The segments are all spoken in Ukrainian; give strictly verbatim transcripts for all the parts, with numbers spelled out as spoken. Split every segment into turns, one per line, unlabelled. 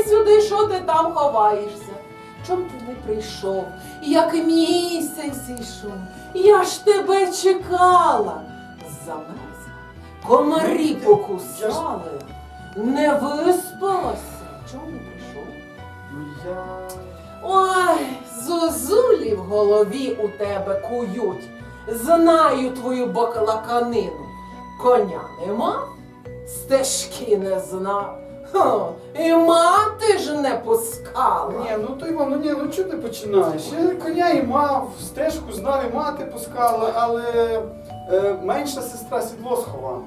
сюди, що ти там ховаєшся? Чом ти не прийшов, як місяць йшов? Я ж тебе чекала. Замерзла, комарі покусали, не виспалася. Чому не прийшов?
Ну я...
Ой, зозулі в голові у тебе кують. Знаю твою баклаканину. Коня нема, стежки не знав. Хо, і мати ж не пускала.
Ні, ну то Іван, ну ні, ну чого ти починаєш? Я коня і мав, стежку знав, і мати пускала, але е, менша сестра сідло сховала.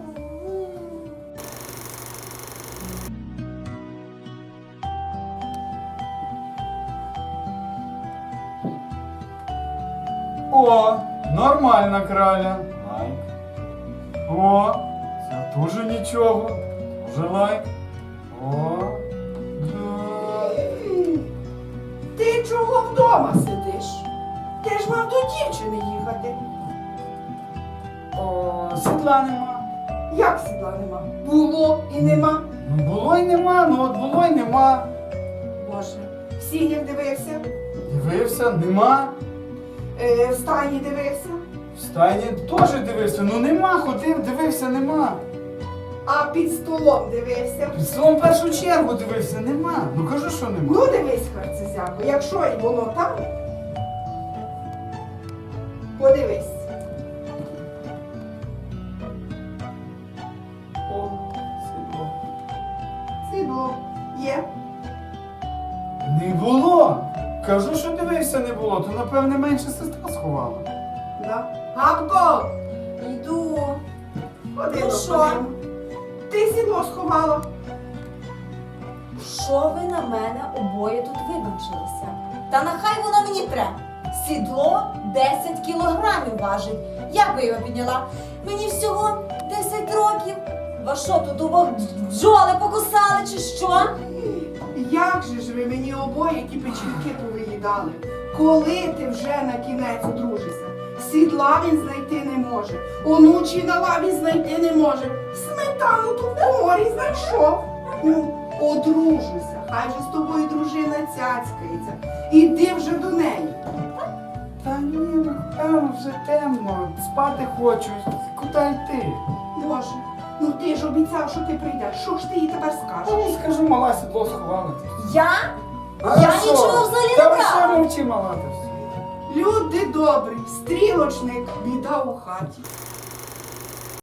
О, нормальна краля. Лайк. О, це дуже нічого. Дуже лайк. О, да.
Ти чого вдома сидиш? Ти ж мав до дівчини їхати.
О, сідла нема.
Як сідла нема? Було і нема.
Ну було й нема, ну от було й нема.
Боже, в сінях дивився,
Дивився, нема.
е, в стайні дивився,
В стайні теж дивився, ну нема, ходив, дивився, нема.
а під столом дивився.
Під столом в першу чергу дивився, нема. Ну кажу, що нема.
Ну дивись, харцезяко, якщо і воно там, подивись.
О, сідло.
Сідло є.
Не було. Кажу, що дивився, не було, то напевне менша сестра сховала.
Да. Габко, йду. Ходи,
Ну що?
ходимо. Ти сідло сховала.
Що ви на мене обоє тут вибачилися? Та нехай воно мені треба. Сідло десять кілограмів важить. Як би його підняла? Мені всього десять років. Вас що, тут обох бджоли покусали чи що?
Як же ж ви мені обоє ті печінки повиїдали? Коли ти вже на кінець одружишся? Сідла він знайти не може, онучі на лаві знайти не може, сметану тут в коморі знайшов. Ну, одружуйся, хай же з тобою дружина цяцькається. Іди вже до неї.
Та ні, ну там вже темно, спати хочу. Куди йти?
Боже, ну ти ж обіцяв, що ти прийдеш. Що ж ти їй тепер
Та
скажеш?
ну скажу, мала сідло сховала.
Я?
А
Я
що?
нічого взагалі не
Та ви
брала.
що мовчи, мала, та все.
Люди добрі, стрілочник, біда у хаті.